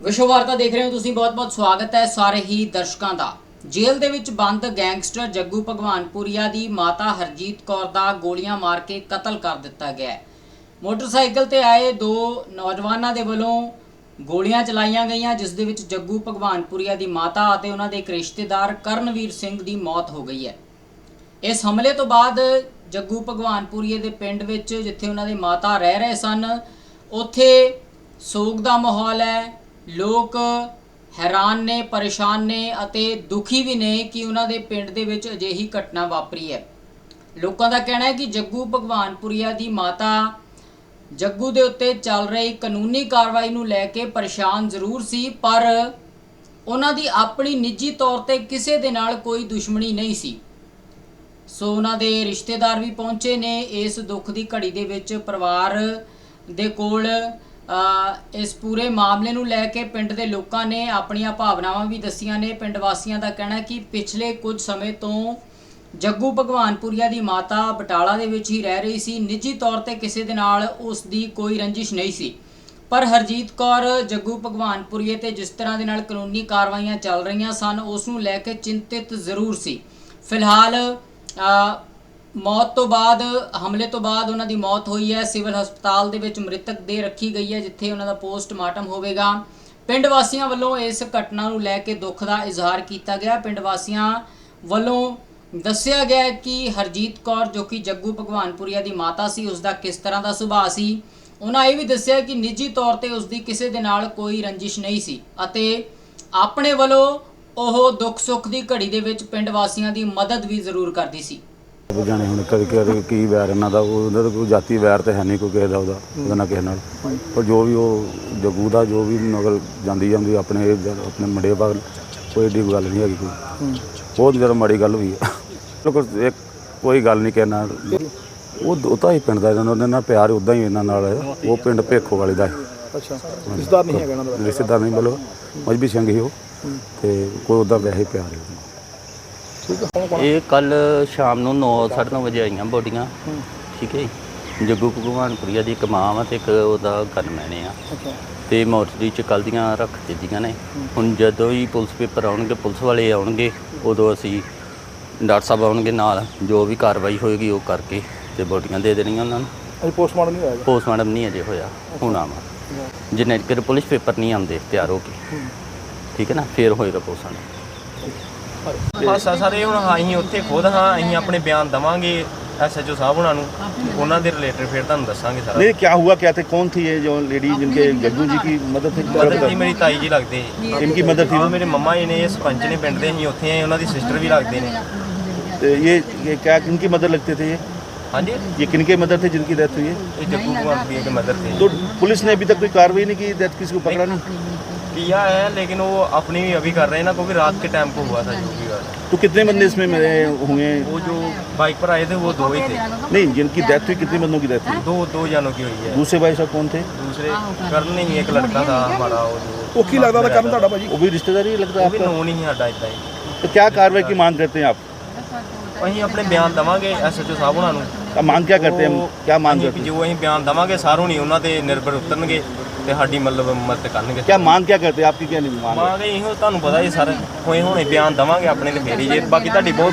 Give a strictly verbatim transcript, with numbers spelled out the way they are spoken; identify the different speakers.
Speaker 1: विश्व वार्ता देख रहे हो तुसीं, बहुत बहुत स्वागत है सारे ही दर्शकों का। जेल दे विच बंद गैंगस्टर जग्गू भगवानपुरिया दी माता हरजीत कौर दा गोलियां मार के कतल कर दिता गया है। मोटरसाइकिल ते आए दो नौजवानों दे वलों गोलियां चलाईयां गईयां, जिस दे विच जग्गू भगवानपुरिया दी माता अते उन्हां दे एक रिश्तेदार करनवीर सिंह दी मौत हो गई है। इस हमले तो बाद जग्गू भगवानपुरिया दे पिंड विच जिथे उन्हां दे माता रह रहे सन, उत्थे सोग दा माहौल है। लोग हैरान ने, परेशान ने अते दुखी भी ने कि उन्हां दे पिंड दे विच अजिही घटना वापरी है। लोगों का कहना है कि जग्गू भगवानपुरिया दी माता जग्गू दे उत्ते चल रही कानूनी कार्रवाई नूं लैके परेशान जरूर सी, पर उन्हां दी अपनी निजी तौर ते किसी दे नाल कोई दुश्मनी नहीं सी। सो उन्हां दे रिश्तेदार भी पहुंचे ने इस दुख की घड़ी दे विच। परिवार दे कोल इस पूरे मामले नूं लैके पिंड दे लोकां ने अपनियां भावनावां भी दस्सियां ने। पिंड वासियां दा कहना है कि पिछले कुछ समय तो जग्गू भगवानपुरिया दी माता बटाला दे विच ही रह रही सी। निजी तौर ते किसी दे नाल उस दी कोई रंजिश नहीं सी, पर हरजीत कौर जग्गू भगवानपुरिया ते जिस तरह दे नाल कानूनी कार्रवाइयां चल रही सन उस नूं लैके चिंतित जरूर सी। फिलहाल मौत तो बाद हमले तो बाद उन्हां दी मौत हुई है। सिविल हस्पताल दे विच मृतक दे रखी गई है, जिथे उन्हां दा पोस्टमार्टम होवेगा। पिंड वासियां वल्लों इस घटना नूं लैके दुख दा इजहार किया गया। पिंड वासियां वल्लों दस्सिया गया कि हरजीत कौर जो कि जग्गू भगवानपुरिया दी माता सी, उसका किस तरह का सुभाਅ सी। उन्हां ये भी दस्सिया कि निजी तौर पर उसकी किसी दे नाल कोई रंजिश नहीं सी अते अपने वल्लों ओह दुख सुख की घड़ी दे विच पिंड वासियां दी मदद भी जरूर करदी सी।
Speaker 2: जाने हुण कभी कभी की वैर इन्हां दा उहदा कोई जाती वैर तो है नहीं कोई किसी दा उहदा उहदा ना किसी नाल, पर जो भी वो जग्गू दा जो भी नगल जांदी जांदी अपने अपने मुंडे भाग कोई एडी गल नहीं हैगी। कोई बहुत ज़्यादा माड़ी गल हुई है। लोग एक कोई गल नहीं कहना वो उता ही पिंड दा इन्हां नाल प्यार उदा ही इन्हां नाल है। वो पिंड भेखो वाले दा है।
Speaker 3: अच्छा, रिश्तेदार नहीं है?
Speaker 2: रिश्तेदार नहीं, मतलब मजबी सिंह ही वो ते कोई उदा वैसे प्यार है।
Speaker 4: ये कल शाम ਨੂੰ नौ साढ़े नौ ਵਜੇ ਆਈਆਂ ਬੋਡੀਆਂ। ਠੀਕ ਹੈ ਜੀ, ਜੱਗੂ ਭਗਵਾਨਪੁਰੀਆ ਦੀ ਇੱਕ ਮਾਂ ਵਾ ਤੇ ਇੱਕ ਉਹਦਾ ਗਨਮੈਨ ਆ ਤੇ ਮੋਰਚਰੀ 'ਚ ਕੱਲ੍ਹ ਦੀਆਂ ਰੱਖ ਦਿੱਤੀਆਂ ਨੇ। ਹੁਣ ਜਦੋਂ ਹੀ ਪੁਲਿਸ ਪੇਪਰ ਆਉਣਗੇ, ਪੁਲਿਸ ਵਾਲੇ ਆਉਣਗੇ, ਉਦੋਂ ਅਸੀਂ ਡਾਕਟਰ ਸਾਹਿਬ ਆਉਣਗੇ ਨਾਲ, ਜੋ ਵੀ ਕਾਰਵਾਈ ਹੋਏਗੀ ਉਹ ਕਰਕੇ ਤੇ ਬੋਡੀਆਂ ਦੇ ਦੇਣੀਆਂ ਉਹਨਾਂ ਨੂੰ।
Speaker 3: ਅਜੇ ਪੋਸਟਮਾਰਟਮ ਨਹੀਂ ਹੋਇਆ?
Speaker 4: ਪੋਸਟਮਾਰਟਮ ਨਹੀਂ ਅਜੇ ਹੋਇਆ, ਹੋਣਾ ਵਾ ਜਿੰਨੇ ਚਿਰ ਪੁਲਿਸ ਪੇਪਰ ਨਹੀਂ ਆਉਂਦੇ ਤਿਆਰ ਹੋ ਕੇ। ਠੀਕ ਹੈ ਨਾ, ਫਿਰ ਹੋਏਗਾ ਪੋਸਟਮਾਰਟਮ।
Speaker 5: ਹਾਸਾ ਸਾਰੇ ਹੁਣ ਅਸੀਂ ਉੱਥੇ ਖੁਦ ਹਾਂ, ਅਸੀਂ ਆਪਣੇ ਬਿਆਨ ਦੇਵਾਂਗੇ एस एच ओ साहब उन्होंने दे रिलेटेड फिर तुहानूं दस्सांगे सारा।
Speaker 3: नहीं, क्या हुआ क्या थे, कौन थी ये जो लेडी जिनके जग्गू जी की मदद थी?
Speaker 5: मदद थी मेरी ताई जी लगते।
Speaker 3: इनकी मदद थी?
Speaker 5: मेरे मम्मा जी ने, ये सरपंच ने पिंड दे, असीं उत्थे आए, उन्होंने सिस्टर भी लगते हैं।
Speaker 3: तो ये ये क्या किनकी मदद लगते थे ये?
Speaker 5: हाँ जी,
Speaker 3: ये किनके मदद थे जिनकी डेथ हुई है?
Speaker 5: ये जग्गू भगवानपुरिया के मदद थे।
Speaker 3: तो पुलिस ने अभी तक कोई कार्रवाई नहीं की, डेथ किसी को पकड़ा नहीं
Speaker 5: किया है, लेकिन वो अपनी भी अभी कर रहे हैं ना, क्योंकि रात के टाइम को हुआ था जो भी हुआ।
Speaker 3: तो कितने बंदे इसमें मरे हुए?
Speaker 5: वो जो बाइक पर आए थे वो दो ही थे।
Speaker 3: नहीं, जिनकी डेथ हुई कितने बंदों की डेथ हुई?
Speaker 5: दो दो जानों की हुई है।
Speaker 3: दूसरे भाई साहब कौन थे?
Speaker 5: दूसरे करण नहीं, एक लड़का था हमारा, वो जो
Speaker 3: वो की लगता था करण था भाजी, वो भी रिश्तेदार ही लगता है
Speaker 5: वो भी
Speaker 3: आपका?
Speaker 5: नोन ही है साडा इतना ही।
Speaker 3: तो क्या कार्रवाई की मांग करते हैं आप?
Speaker 5: असीं अपने बयान देवांगे एस एच ओ साहब उन्होंने।
Speaker 3: अब मांग क्या करते हैं, क्या मांग करते हैं?
Speaker 5: जो असीं बयान देवांगे सारों नहीं उन्होंने निर्भर उतरनगे ते साडी मतलब मदद करनगे।
Speaker 3: क्या मांग क्या करते हैं आपकी? क्या नहीं मांग?
Speaker 5: मांग इहो तुहानूं पता ही सर, होए हुणे बयान देवांगे अपने ते फेर ही जे, बाकी तुहाडी बहुत